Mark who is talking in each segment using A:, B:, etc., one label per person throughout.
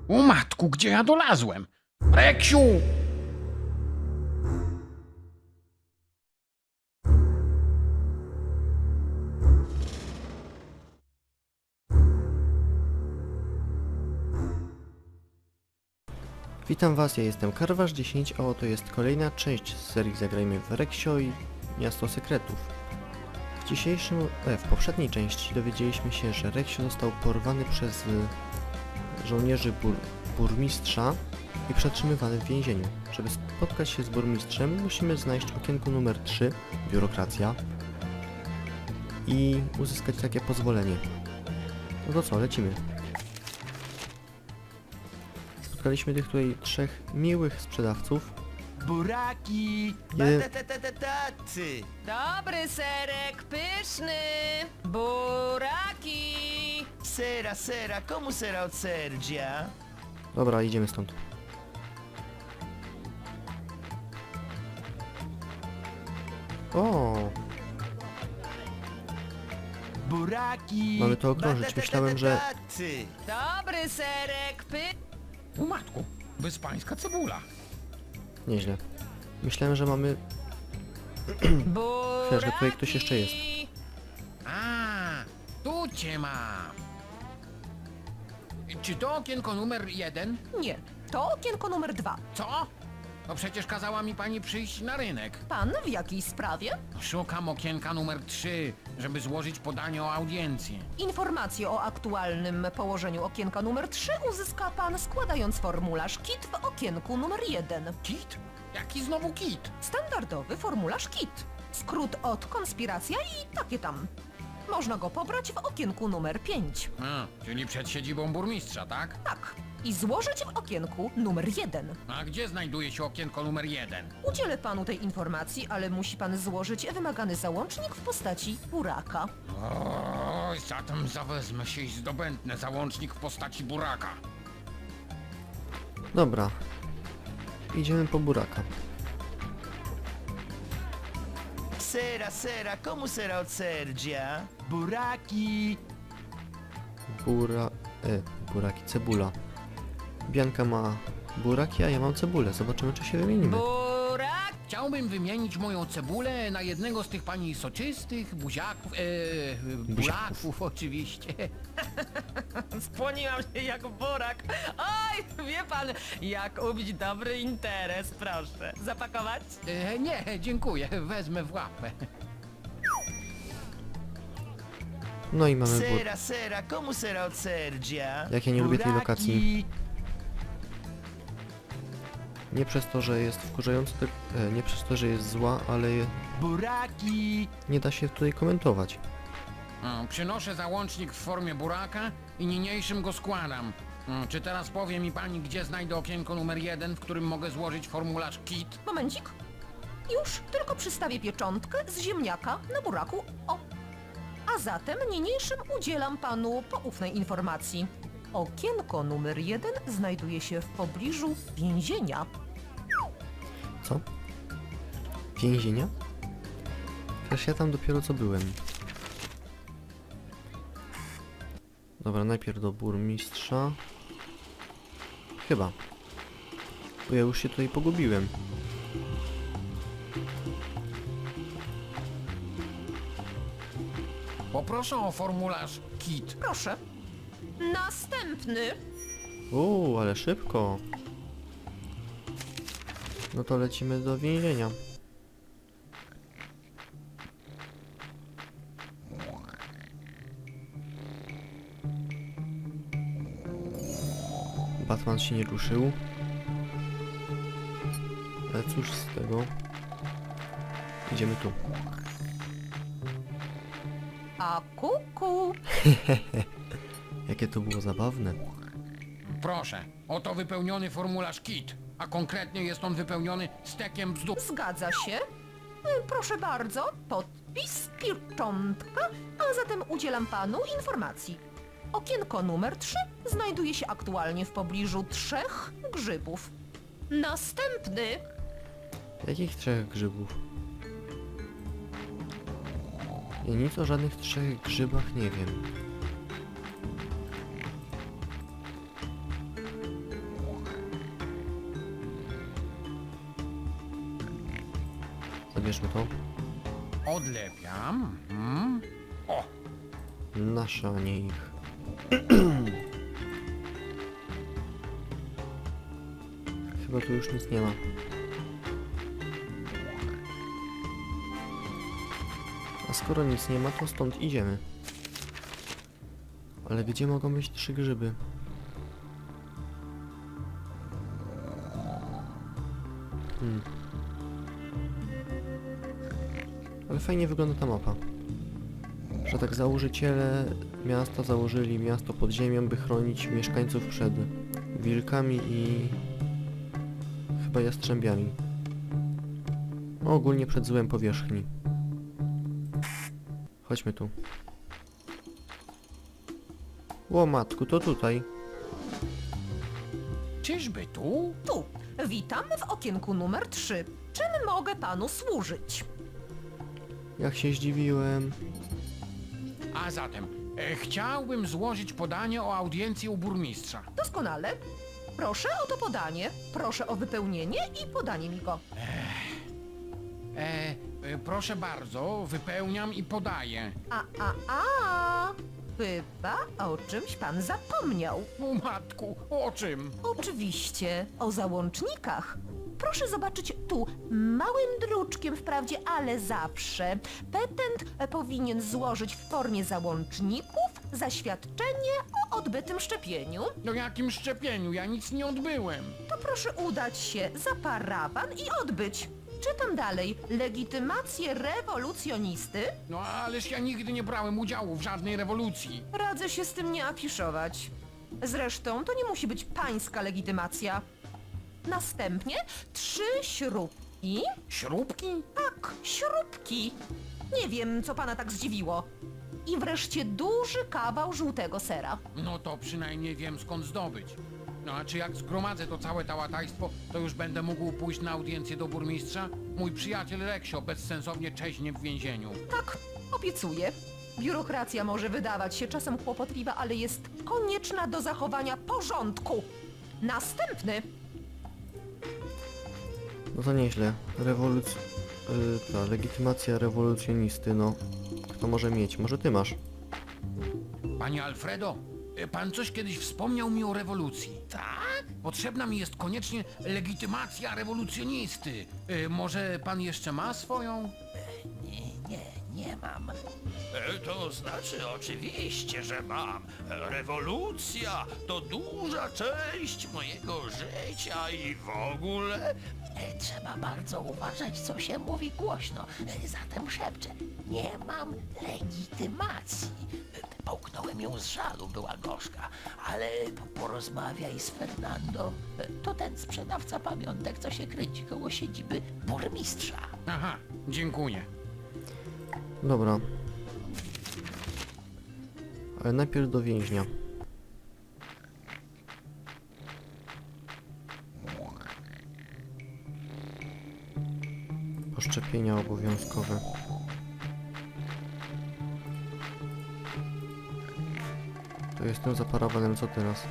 A: O matku, gdzie ja dolazłem? Reksiu!
B: Witam Was, ja jestem Karwasz10, a oto jest kolejna część z serii Zagrajmy w Reksio i Miasto Sekretów. W poprzedniej części dowiedzieliśmy się, że Reksio został porwany przez żołnierzy burmistrza i przetrzymywany w więzieniu. Żeby spotkać się z burmistrzem, musimy znaleźć okienko numer 3, biurokracja, i uzyskać takie pozwolenie. No to co, lecimy. Spotkaliśmy tych tutaj trzech miłych sprzedawców.
C: Buraki!
B: Jeden-
C: Tacy!
D: Dobry serek, pyszny! Buraki!
C: Sera, komu sera od Serdzia?
B: Dobra, idziemy stąd. O,
C: Buraki!
B: Mamy to okrążyć. Myślałem, że-
C: Tacy!
D: Dobry serek,
A: O matku, bezpańska cebula.
B: nieźle. Myślałem, że mamy...
D: buraki!
B: że tutaj ktoś jeszcze jest.
A: A, tu cię mam. Czy to okienko numer 1?
D: Nie, to okienko numer 2.
A: Co? No przecież kazała mi pani przyjść na rynek.
D: Pan w jakiej sprawie?
A: Szukam okienka numer 3, żeby złożyć podanie o audiencję.
D: Informacje o aktualnym położeniu okienka numer 3 uzyska pan składając formularz KIT w okienku numer 1.
A: Kit? Jaki znowu kit?
D: Standardowy formularz KIT. Skrót od konspiracja i takie tam. Można go pobrać w okienku numer 5.
A: A, czyli przed siedzibą burmistrza, tak?
D: Tak. I złożyć w okienku numer 1.
A: A gdzie znajduje się okienko numer 1?
D: Udzielę panu tej informacji, ale musi pan złożyć wymagany załącznik w postaci buraka.
A: Oj, zatem zawezmę się i zdobędnę załącznik w postaci buraka.
B: Dobra. Idziemy po buraka.
C: Sera, komu sera od Serdzia? Buraki!
B: Buraki, cebula. Bianka ma buraki, a ja mam cebulę. Zobaczymy, czy się wymienimy.
D: Burak!
A: Chciałbym wymienić moją cebulę na jednego z tych pani soczystych, buziaków, buraków oczywiście.
D: Skłoniłam się jak burak. Oj, wie pan, jak ubić dobry interes, proszę. Zapakować?
A: Nie, dziękuję, wezmę w łapę.
B: No i mamy
C: Sera, komu sera od Serdzia?
B: Jak ja nie lubię tej
C: Buraki!
B: lokacji. Nie przez to, że jest wkurzająca, nie przez to, że jest zła, ale
C: Buraki!
B: nie da się tutaj komentować.
A: Przynoszę załącznik w formie buraka i niniejszym go składam. Czy teraz powie mi pani, gdzie znajdę okienko numer 1, w którym mogę złożyć formularz KIT?
D: Momencik. Już, tylko przystawię pieczątkę z ziemniaka na buraku. O. A zatem niniejszym udzielam panu poufnej informacji. Okienko numer 1 znajduje się w pobliżu więzienia.
B: Co? Więzienia? Przecież ja tam dopiero co byłem. Dobra, najpierw do burmistrza. Chyba. Bo ja już się tutaj pogubiłem.
A: Poproszę o formularz KIT.
D: Proszę. Następny.
B: Ale szybko. No to lecimy do więzienia. Batman się nie ruszył. Ale cóż z tego. Idziemy tu.
D: A kuku.
B: Jakie to było zabawne.
A: Proszę, oto wypełniony formularz KIT, a konkretnie jest on wypełniony stekiem bzdur.
D: Zgadza się. Proszę bardzo, podpis, pieczątka, a zatem udzielam panu informacji. Okienko numer 3 znajduje się aktualnie w pobliżu 3 grzybów. Następny.
B: Jakich trzech grzybów? Ja nic o żadnych trzech grzybach nie wiem. Odbierzmy to.
A: Odlepiam. O,
B: Nasze, a nie ich. Chyba tu już nic nie ma. A skoro nic nie ma, to stąd idziemy. Ale gdzie mogą być 3 grzyby? Ale fajnie wygląda ta mapa. Że tak założyciele miasta założyli miasto pod ziemią, by chronić mieszkańców przed wilkami i chyba jastrzębiami. No, ogólnie przed złem powierzchni. Chodźmy tu. Ło matku, to tutaj.
A: czyżby tu?
D: Tu. Witamy w okienku numer 3. Czym mogę panu służyć?
B: Jak się zdziwiłem.
A: A zatem, chciałbym złożyć podanie o audiencję u burmistrza.
D: Doskonale. Proszę o to podanie, proszę o wypełnienie i podanie mi go.
A: Proszę bardzo, wypełniam i podaję.
D: Chyba o czymś pan zapomniał.
A: O matku, o czym?
D: Oczywiście, o załącznikach. Proszę zobaczyć tu, małym druczkiem wprawdzie, ale zawsze. Petent powinien złożyć w formie załączników zaświadczenie o odbytym szczepieniu.
A: No jakim szczepieniu? Ja nic nie odbyłem.
D: To proszę udać się za parawan i odbyć. Czytam dalej. Legitymację rewolucjonisty.
A: No ależ ja nigdy nie brałem udziału w żadnej rewolucji.
D: Radzę się z tym nie afiszować. Zresztą to nie musi być pańska legitymacja. Następnie 3 śrubki.
A: Śrubki?
D: Tak, śrubki. Nie wiem, co pana tak zdziwiło. I wreszcie duży kawał żółtego sera.
A: No to przynajmniej wiem skąd zdobyć. No a czy jak zgromadzę to całe tałatajstwo, to już będę mógł pójść na audiencję do burmistrza? Mój przyjaciel Reksio bezsensownie czeźnie w więzieniu.
D: Tak, obiecuję. Biurokracja może wydawać się czasem kłopotliwa, ale jest konieczna do zachowania porządku. Następny.
B: No to nieźle. Ta legitymacja rewolucjonisty, no. Kto może mieć? Może ty masz?
A: Panie Alfredo, pan coś kiedyś wspomniał mi o rewolucji. Tak? Potrzebna mi jest koniecznie legitymacja rewolucjonisty. Może pan jeszcze ma swoją?
C: Nie mam. To znaczy oczywiście, że mam. Rewolucja to duża część mojego życia i w ogóle. Trzeba bardzo uważać, co się mówi głośno. Zatem szepczę. Nie mam legitymacji. Połknąłem ją z żalu, była gorzka. Ale porozmawiaj z Fernando. To ten sprzedawca pamiątek, co się kręci koło siedziby burmistrza.
A: Aha, dziękuję.
B: Dobra. Ale najpierw do więźnia. Poszczepienia obowiązkowe. To jestem za parawanem, co teraz?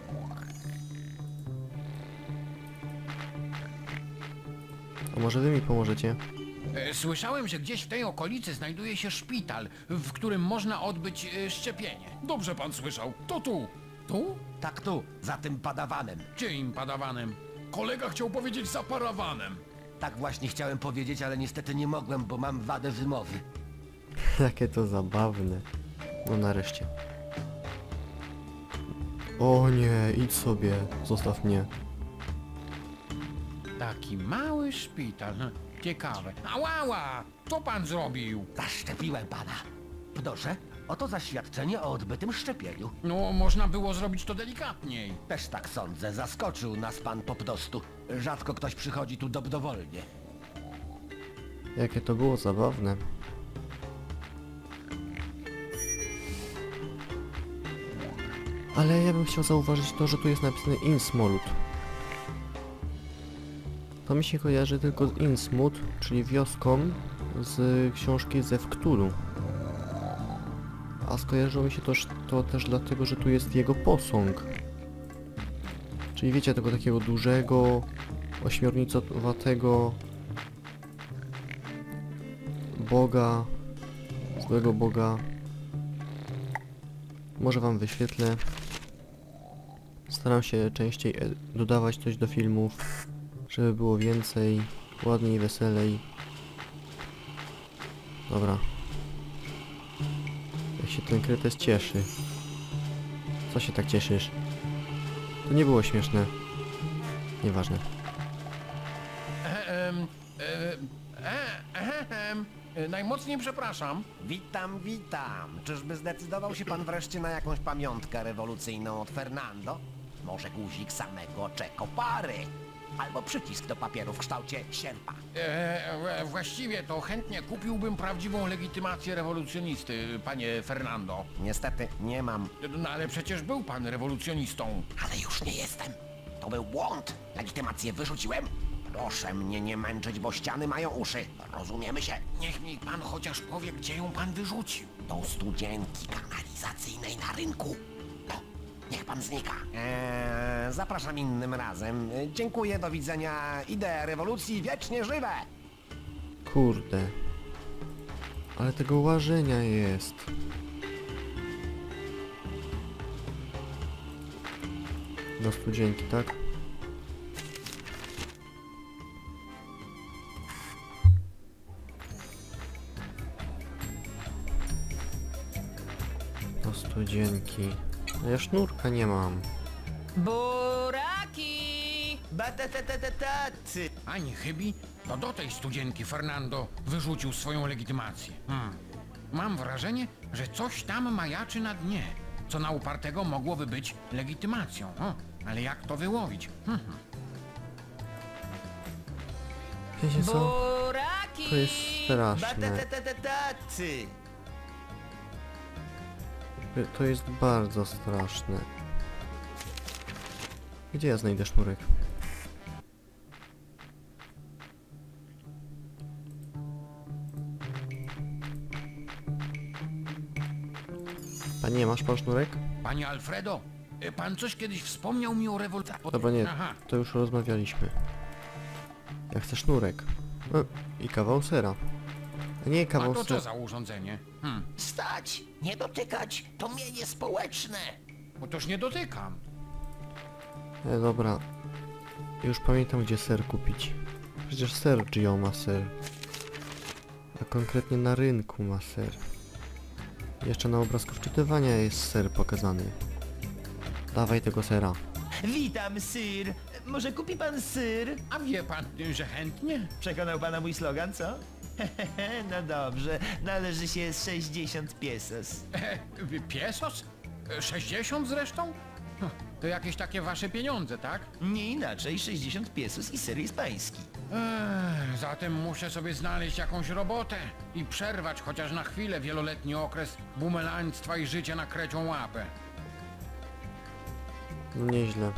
B: A może wy mi pomożecie?
A: Słyszałem, że gdzieś w tej okolicy znajduje się szpital, w którym można odbyć szczepienie.
E: Dobrze pan słyszał. To tu.
A: Tu?
C: Tak tu, za tym padawanem.
A: Czyim padawanem?
E: Kolega chciał powiedzieć za parawanem.
C: Tak właśnie chciałem powiedzieć, ale niestety nie mogłem, bo mam wadę wymowy.
B: Jakie to zabawne. No nareszcie. O nie, idź sobie. Zostaw mnie.
A: Taki mały szpital. Ciekawe. Ałała! Co pan zrobił?
C: Zaszczepiłem pana. Proszę, oto zaświadczenie o odbytym szczepieniu.
A: No, można było zrobić to delikatniej.
C: Też tak sądzę, zaskoczył nas pan po prostu. Rzadko ktoś przychodzi tu dobrowolnie.
B: Jakie to było zabawne. Ale ja bym chciał zauważyć to, że tu jest napisane Innsmouth. To mi się kojarzy tylko z Innsmouth, czyli wioską z książki ze Wktulu. A skojarzyło mi się to też dlatego, że tu jest jego posąg. Czyli wiecie, tego takiego dużego, ośmiornicowatego Boga, złego Boga. Może wam wyświetlę. Staram się częściej dodawać coś do filmów, żeby było więcej, ładniej, weselej. Dobra. Jak się ten kretes cieszy. Co się tak cieszysz? To nie było śmieszne. Nieważne.
A: Najmocniej przepraszam.
F: Witam, witam. Czyżby zdecydował się pan wreszcie na jakąś pamiątkę rewolucyjną od Fernando? Może guzik samego Che Guevary? Albo przycisk do papieru w kształcie sierpa.
A: Właściwie to chętnie kupiłbym prawdziwą legitymację rewolucjonisty, panie Fernando.
F: Niestety nie mam,
A: No ale przecież był pan rewolucjonistą.
F: ale już nie jestem. To był błąd. Legitymację wyrzuciłem. Proszę mnie nie męczyć, bo ściany mają uszy. Rozumiemy się?
A: Niech mi pan chociaż powie, gdzie ją pan wyrzucił.
F: Do studzienki kanalizacyjnej na rynku. No, niech pan znika. Zapraszam innym razem. Dziękuję, do widzenia. Idee rewolucji wiecznie żywe.
B: Kurde. Ale tego łażenia jest. Do studzienki, tak? Do studzienki. A ja sznurka nie mam.
D: Buraki!
F: Batatataty.
A: Ani chybi, to do tej studzienki Fernando wyrzucił swoją legitymację. Mam wrażenie, że coś tam majaczy na dnie, co na upartego mogłoby być legitymacją. Ale jak to wyłowić?
B: Wiecie co?
D: Buraki!
B: To jest straszne.
F: Batatataty.
B: To jest bardzo straszne. Gdzie ja znajdę sznurek? Panie, masz pan sznurek?
A: Panie Alfredo, pan coś kiedyś wspomniał mi o rewolucji.
B: Dobra, nie,
A: Aha,
B: to już rozmawialiśmy. Ja chcę sznurek. I kawał sera. A nie
A: a
B: kawał
A: to co
B: sera.
A: za urządzenie?
F: Stać! Nie dotykać! To mienie społeczne!
A: Otóż nie dotykam.
B: Dobra. Już pamiętam, gdzie ser kupić. Przecież Sergio ma ser. A konkretnie na rynku ma ser. Jeszcze na obrazku wczytywania jest ser pokazany. Dawaj tego sera.
G: Witam, syr. Może kupi pan syr?
A: A wie pan, że chętnie?
G: Przekonał pana mój slogan, co? No dobrze, należy się 60 pesos.
A: Piesos? 60 zresztą? To jakieś takie wasze pieniądze, tak?
G: Nie inaczej, 60 pesos i ser jest pański.
A: Zatem muszę sobie znaleźć jakąś robotę i przerwać chociaż na chwilę wieloletni okres bumelaństwa i życia na krecią łapę.
B: No nieźle.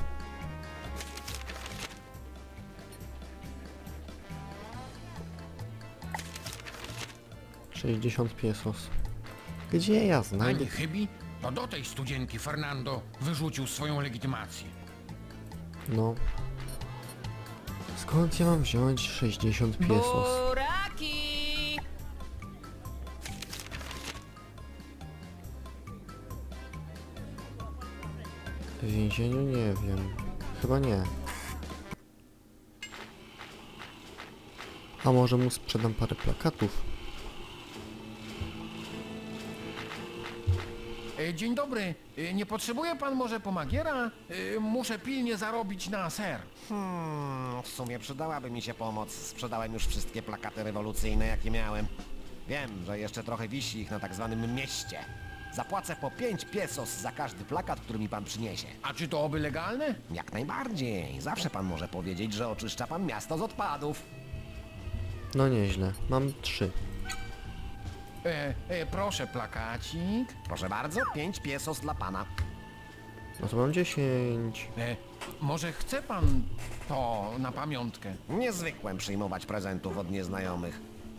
B: $60. Gdzie ja znajdę?
A: Ani chybi, to do tej studzienki Fernando wyrzucił swoją legitymację.
B: No. Skąd ja mam wziąć 60 pesos?
D: Buraki!
B: W więzieniu nie wiem. Chyba nie. A może mu sprzedam parę plakatów?
A: Dzień dobry, nie potrzebuje pan może pomagiera? Muszę pilnie zarobić na ser.
F: W sumie przydałaby mi się pomoc. Sprzedałem już wszystkie plakaty rewolucyjne, jakie miałem. Wiem, że jeszcze trochę wisi ich na tak zwanym mieście. Zapłacę po 5 pesos za każdy plakat, który mi pan przyniesie.
A: A czy to oby legalne?
F: Jak najbardziej. Zawsze pan może powiedzieć, że oczyszcza pan miasto z odpadów.
B: No nieźle. Mam 3.
A: Proszę plakacik.
F: Proszę bardzo, 5 pesos dla pana.
B: No to mam 10.
A: Może chce pan to na pamiątkę?
F: Nie zwykłem przyjmować prezentów od nieznajomych.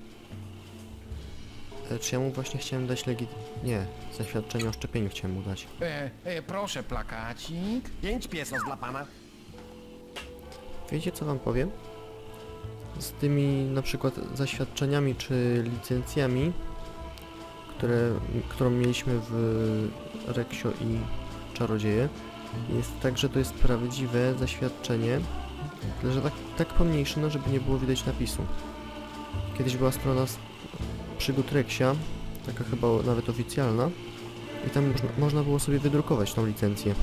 B: Czy ja mu właśnie chciałem dać Nie, zaświadczenie o szczepieniu chciałem mu dać.
A: Proszę plakacik.
F: 5 pesos dla pana.
B: Wiecie co wam powiem? z tymi na przykład zaświadczeniami czy licencjami, którą mieliśmy w Reksio i Czarodzieje, jest tak, że to jest prawdziwe zaświadczenie, tyle że tak pomniejsze, no żeby nie było widać napisu. Kiedyś była strona przygód Reksia, taka chyba nawet oficjalna, i tam można było sobie wydrukować tą licencję.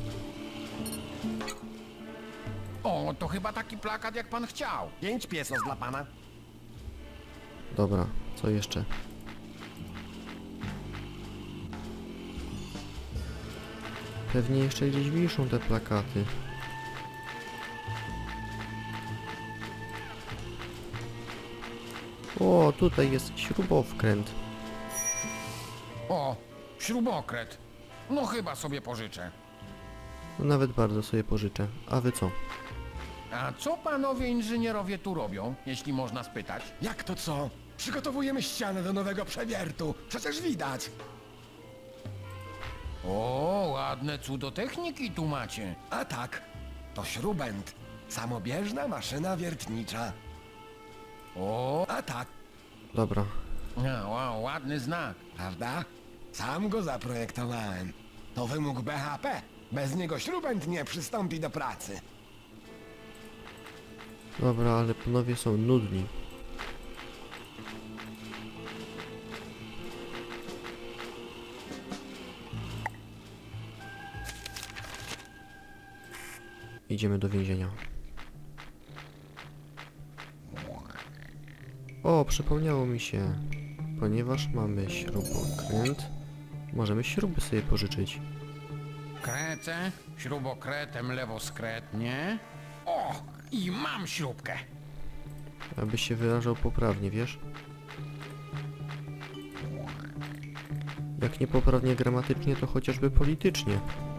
A: O, to chyba taki plakat, jak pan chciał.
F: 5 piesos dla pana.
B: Dobra, co jeszcze? Pewnie jeszcze gdzieś wiszą te plakaty. O, tutaj jest śrubowkręt.
A: O, śrubokręt. No chyba sobie pożyczę.
B: No nawet bardzo sobie pożyczę. A wy co?
A: A co panowie inżynierowie tu robią, jeśli można spytać?
E: Jak to co? Przygotowujemy ścianę do nowego przewiertu. Przecież widać.
A: O, ładne cudo techniki tu macie.
E: A tak, to śrubent. Samobieżna maszyna wiertnicza.
A: O,
E: A tak,
B: Dobra.
A: wow, ładny znak.
E: prawda? Sam go zaprojektowałem. To wymóg BHP. Bez niego śrubent nie przystąpi do pracy.
B: Dobra, ale panowie są nudni. Idziemy do więzienia. O, przypomniało mi się. Ponieważ mamy śrubokręt, możemy śruby sobie pożyczyć.
A: Kręcę, śrubokretem lewoskretnie. O, i mam śrubkę.
B: Aby się wyrażał poprawnie, wiesz? Jak nie poprawnie gramatycznie, to chociażby politycznie.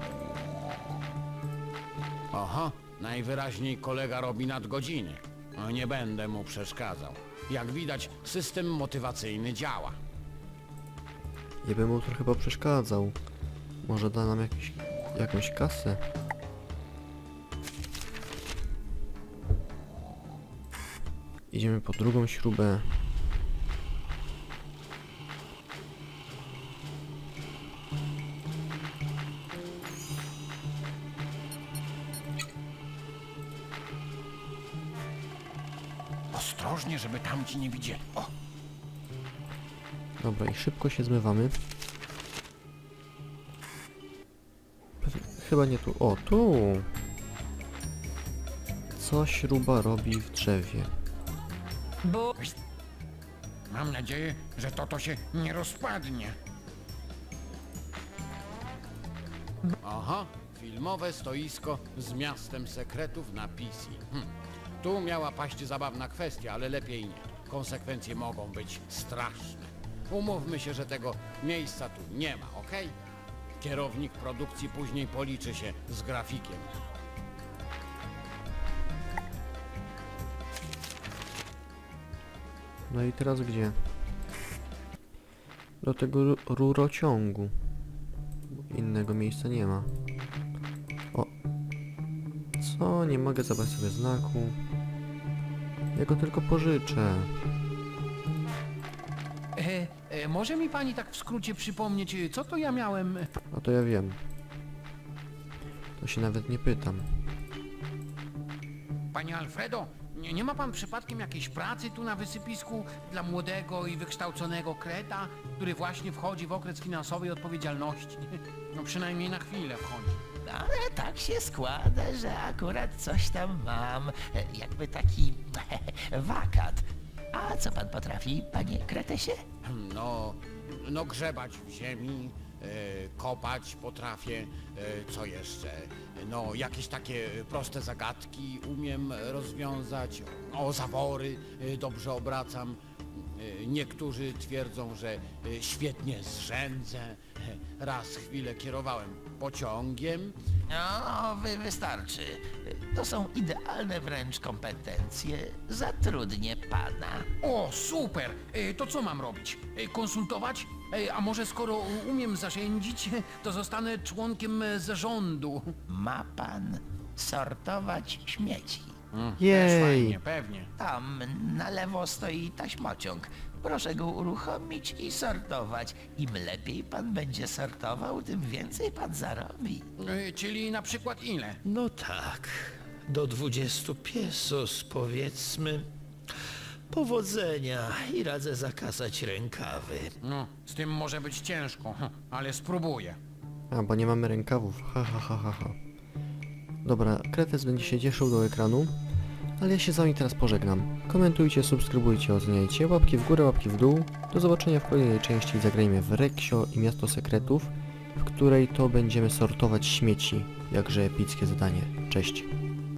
A: Aha, najwyraźniej kolega robi nadgodziny. No, nie będę mu przeszkadzał. Jak widać, system motywacyjny działa.
B: Nie bym mu to chyba przeszkadzał. Może da nam jakąś kasę. Idziemy po drugą śrubę.
A: Ostrożnie, żeby tamci nie widzieli. O,
B: Dobra, i szybko się zmywamy. Chyba nie tu. O, tu! Co śruba robi w drzewie?
D: Bo...
A: mam nadzieję, że to się nie rozpadnie. Aha, filmowe stoisko z miastem sekretów na PC. Tu miała paść zabawna kwestia, ale lepiej nie. Konsekwencje mogą być straszne. Umówmy się, że tego miejsca tu nie ma, okej? Kierownik produkcji później policzy się z grafikiem.
B: No i teraz gdzie? Do tego rurociągu. Innego miejsca nie ma. O! Co? Nie mogę zabrać sobie znaku. Ja go tylko pożyczę.
A: Może mi pani tak w skrócie przypomnieć, co to ja miałem?
B: A to ja wiem. To się nawet nie pytam.
A: Panie Alfredo, nie ma pan przypadkiem jakiejś pracy tu na wysypisku dla młodego i wykształconego kreta, który właśnie wchodzi w okres finansowej odpowiedzialności? No przynajmniej na chwilę wchodzi.
G: Ale tak się składa, że akurat coś tam mam. Jakby taki wakat. A co pan potrafi, panie Kretesie?
A: No grzebać w ziemi, kopać potrafię, co jeszcze? No jakieś takie proste zagadki umiem rozwiązać, o zawory dobrze obracam. Niektórzy twierdzą, że świetnie zrzędzę. Raz chwilę kierowałem pociągiem.
G: No, wystarczy. To są idealne wręcz kompetencje. Zatrudnię pana.
A: O, super! To co mam robić? Konsultować? A może skoro umiem zarządzić, to zostanę członkiem zarządu.
G: Ma pan sortować śmieci.
A: Też
B: Jej!
A: fajnie, pewnie.
G: Tam na lewo stoi taśmociąg. Proszę go uruchomić i sortować. Im lepiej pan będzie sortował, tym więcej pan zarobi.
A: Czyli na przykład ile?
C: No tak, do 20 pesos powiedzmy. Powodzenia i radzę zakasać rękawy.
A: No, z tym może być ciężko, ale spróbuję.
B: A, bo nie mamy rękawów. Ha, ha, ha, ha, ha. Dobra, Kretes będzie się cieszył do ekranu, ale ja się z wami teraz pożegnam. Komentujcie, subskrybujcie, oceniajcie, łapki w górę, łapki w dół. Do zobaczenia w kolejnej części. Zagrajmy w Reksio i Miasto Sekretów, w której to będziemy sortować śmieci. Jakże epickie zadanie. Cześć.